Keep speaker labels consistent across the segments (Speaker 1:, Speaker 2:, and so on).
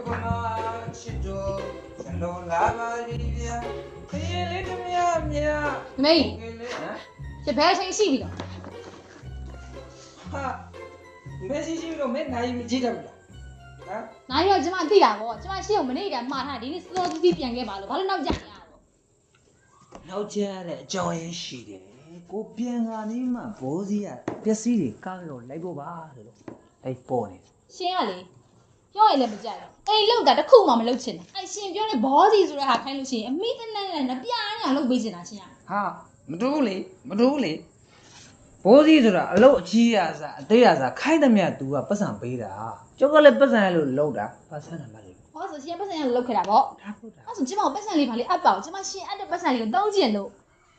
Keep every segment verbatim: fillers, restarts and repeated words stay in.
Speaker 1: Kapama Chito, Shalom Lava Livia, Little Mia Mia.
Speaker 2: Me, the person see me.
Speaker 1: Ha, Messi, you don't make nine Jita.
Speaker 2: 哪有这么对呀？我这么小没那个马他的，老子比别个马路，跑到哪家呀？
Speaker 1: 老家的教人是的，我边啊你嘛不是啊，别死的，刚了来过吧的咯，哎，包呢？
Speaker 2: 先啊嘞，要来不家了，哎，老大的苦嘛没老钱，哎，先表的包子做来还看路钱，没得那那那边人老没钱拿钱啊？
Speaker 1: 哈，没多嘞，没多嘞。 ဘောစီဆိုတာအလုပ်အကြီးရစားအသေးရစားခိုက်သမျှ तू ကပတ်စံပေးတာကျောက်ကလည်းပတ်စံလို့လောက်တာပတ်စံတယ်မလေး
Speaker 2: 我说先不是人老开了不？我说今晚我本身里把你阿宝，今晚先按照本身里当钱喽。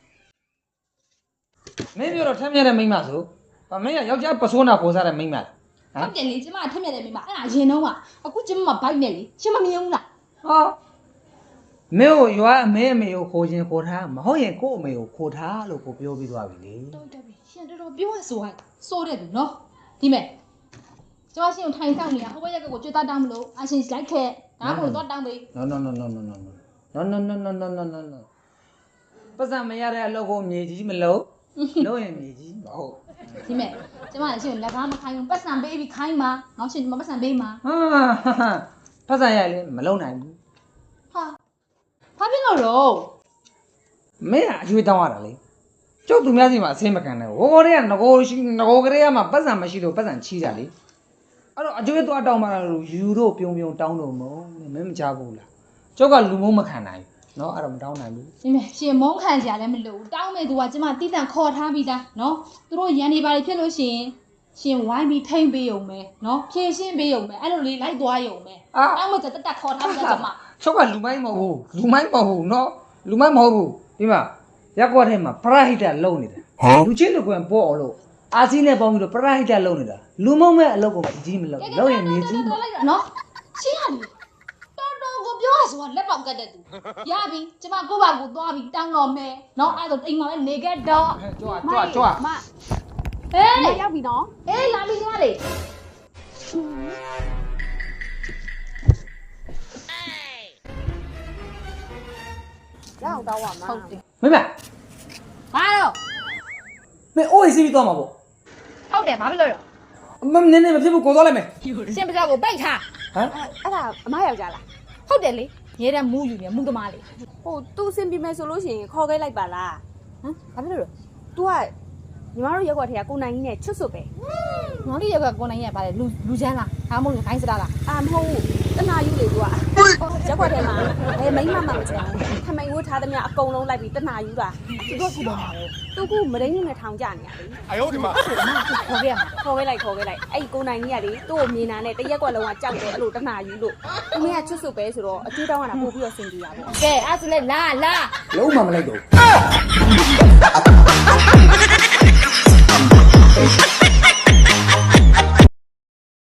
Speaker 1: မင်းပြောတော့ထမ်းမြတဲ့မိန်းမဆိုဗမင်းကယောက်ျားပစိုးနာပေါ်စားတဲ့မိန်းမလားဟမ်
Speaker 2: ဟုတ်တယ်လေကျမထက်မြက်တယ်မိမအဲ့ဒါရင်တော့ကအခုကျမဘိုက်နဲ့လေကျမမယုံလား
Speaker 1: ဟာမင်းကိုရွာအမေအမေကိုခေါ်ခြင်းခေါ်ထားမဟုတ်ရင်ကို့အမေကိုခေါ်ထားလို့ကိုပြောပြီးသွားပြီလေ
Speaker 2: တော်တော်ပြီရှင်တော်တော်ပြောရဆိုရစိုးတယ်သူနော်ဒီမဲ့ကျမရှင်ကိုထိုင်ဆောင်နေတာဟိုဘက်ကကိုကြွေးသားတောင်းမလို့အရှင်လိုက်ခဲ့ဒါကိုတော့တောင်းပေး
Speaker 1: no no no no no no no no no no no no no no ပတ်စံမရတဲ့အလုပ်ကိုမြေကြီးမလုပ်လုပ်ရင်မြေကြီးမဟုတ်
Speaker 2: ဒီမဲ့ကျမရှင်လက်ကားမခိုင်းဘူးပတ်စံပေးပြီးခိုင်းမှာနောက်ရှင်ဒီမှာပတ်စံပေးမှာ
Speaker 1: ဟာပတ်စံရလေမလုံနိုင်ဘူး
Speaker 2: ဟာဘာဖြစ်လို့တော့
Speaker 1: မင်းကအကျွေးတောင်းရတာလေကျုပ်သူများစီမှာအဆင်းမခံနဲ့ဟိုကောတွေကငကိုရှိငကိုကလေးကမှပတ်စံမရှိလို့ပတ်စံချီးတာလေအဲ့တော့အကျွေးသွားတောင်းမှလို့ယူတော့ပြုံပြုံတောင်းတော့မဟုတ်မင်းမကြားဘူးလားကျုပ်ကလူမုံမခံနိုင်เนาะအဲ့တော့မတောင်းနိုင်ဘူး
Speaker 2: ဒီမဲ့ရှင်မုန်းခံကြလည်းမလို့တောင်းမဲ့သူကကျမတိတန့်ခေါ်ထားပြီးသားနော်သူတို့ရန်နေပါလေဖြစ်လို့ရှင်ရှင်ဝိုင်းပြီးထိမ့်ပေးုံပဲနော်ဖြည့်ရှင်းပေးုံပဲအဲ့လိုလေးလိုက်သွားရုံပဲတောင်းမဲ့တက်တက်ခေါ်ထားပြီးသားကျမ
Speaker 1: ကျုပ်ကလူမိုင်းမဟုတ်ဘူးလူမိုင်းမဟုတ်ဘူးเนาะလူမိုင်းမဟုတ်ဘူးဒီမှာရက်ကွက်ထဲမှာပရဟိတလုံနေတာလူချင်းလူကွယ်ပေါ်အောင်လို့အာစီနဲ့ပေါင်းပြီးတော့ပရဟိတလုံနေတာလူမုံမဲ့အလုပ်ကိုကြီးမလုပ်လုပ်ရင်မြေကြီး
Speaker 2: နော်ရှင်းရတယ်တော်တော်ကိုပြောရဆိုလက်ပေါက်ကတ်တဲ့သူရပြီကျမကိုယ့်ဘာကိုသွားပြီးတောင်းတော့မယ်နော်အဲ့ဒါအိမ်မှာလည်းနေခဲ့တော့
Speaker 1: ကြွားကြွားကြွား
Speaker 2: မဟေးရောက်ပြီနော်အေးလာပြီသွားလေ
Speaker 3: ရအောင်တောင်းပါမ
Speaker 2: ဟုတ်တယ်
Speaker 1: မင်းမ
Speaker 2: ဘာတော့
Speaker 1: မင်းအိုးအေးစီးပြီးသွားမှာပေါ့
Speaker 2: ဟုတ်တယ်ဘာဖြစ်လို့လဲ
Speaker 1: မမနင်းနေမဖြစ်ဘူးကိုသွားလိုက်မယ်
Speaker 2: ရှင်ပကြောက်ကိုပိတ်ထား
Speaker 1: ဟမ်
Speaker 3: အဲ့ဒါအမယောက်ျားလား
Speaker 2: ဟုတ်တယ်လေရဲတဲ့မူးယူနေမူးသမားလေ
Speaker 3: ဟို तू စင်ပြမယ်ဆိုလို့ရှိရင်ခေါ်ခဲ့လိုက်ပါလားဟမ်ဘာဖြစ်လို့လဲ तू ကညီမတို့ရက်ွက်ထဲကကိုနိုင်ကြီးနဲ့ချွတ်ဆွတ်ပဲ
Speaker 2: ငေါလေးရောက်ကကိုနိုင်ရဲ့ဗါလေလူလူချမ်းလားဒါမှမဟုတ်ခိုင်းစတာလား
Speaker 3: အာမဟုတ်ဘူးတနာယူလေ तू ကရက်ွက်ထဲမှာဘယ်မိန်းမမှမချင်ဘူးထမိန်ဝတ်ထားသမျှအကုန်လုံးလိုက်ပြီးတနာယူတာ
Speaker 2: သူတို့ခုတော့မှာလေ
Speaker 3: သူကမရင်းနဲ့ထောင်ကြနေရလေ
Speaker 4: 哎呦我的妈！
Speaker 2: ခေါ်ခဲ့ရမှာ
Speaker 3: ခေါ်ခဲ့လိုက်ခေါ်ခဲ့လိုက်အဲ့ကိုနိုင်ကြီးကလေသူ့ကိုမြင်တာနဲ့တရက်ွက်လုံးကကြောက်တယ်အဲ့လိုတနာယူလို့သူမကချွတ်ဆွတ်ပဲဆိုတော့အကျွေးတောင်းရတာပို့ပြီးတော့စင်ကြရပေါ့
Speaker 2: ကဲအဲ့ဆိုလေလာလာ
Speaker 1: လုံးမမလိုက်တော့
Speaker 2: ဟ